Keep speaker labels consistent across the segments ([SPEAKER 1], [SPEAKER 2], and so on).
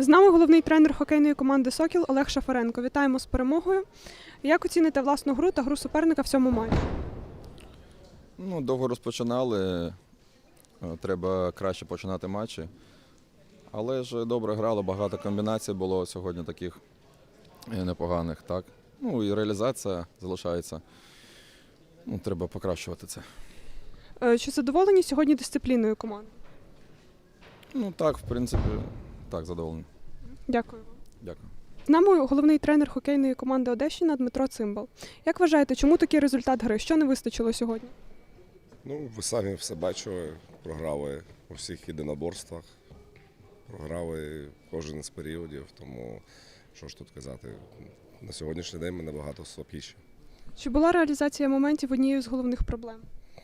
[SPEAKER 1] З нами головний тренер хокейної команди «Сокіл» Олег Шафаренко. Вітаємо з перемогою. Як оціните власну гру та гру суперника в цьому матчі?
[SPEAKER 2] Довго розпочинали, треба краще починати матчі. Але ж добре грали, багато комбінацій було сьогодні таких непоганих. Так? І реалізація залишається. Треба покращувати це.
[SPEAKER 1] Чи задоволені сьогодні дисципліною команди?
[SPEAKER 2] Так, в принципі, так, задоволений.
[SPEAKER 1] Дякую.
[SPEAKER 2] Дякую.
[SPEAKER 1] З нами головний тренер хокейної команди «Одещина» Дмитро Цимбал. Як вважаєте, чому такий результат гри? Що не вистачило сьогодні?
[SPEAKER 3] Ви самі все бачили, програли у всіх єдиноборствах, програли кожен з періодів, тому що ж тут казати, на сьогоднішній день ми набагато слабкіші.
[SPEAKER 1] Чи була реалізація моментів однією з головних проблем?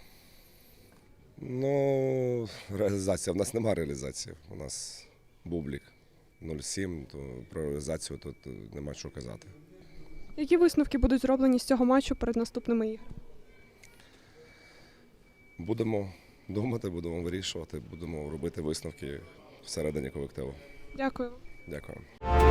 [SPEAKER 3] Реалізація. В нас немає реалізації, у нас бублік 0,7, то про реалізацію тут нема що казати.
[SPEAKER 1] Які висновки будуть зроблені з цього матчу перед наступними іграми?
[SPEAKER 3] Будемо думати, будемо вирішувати, будемо робити висновки всередині колективу.
[SPEAKER 1] Дякую.
[SPEAKER 3] Дякую.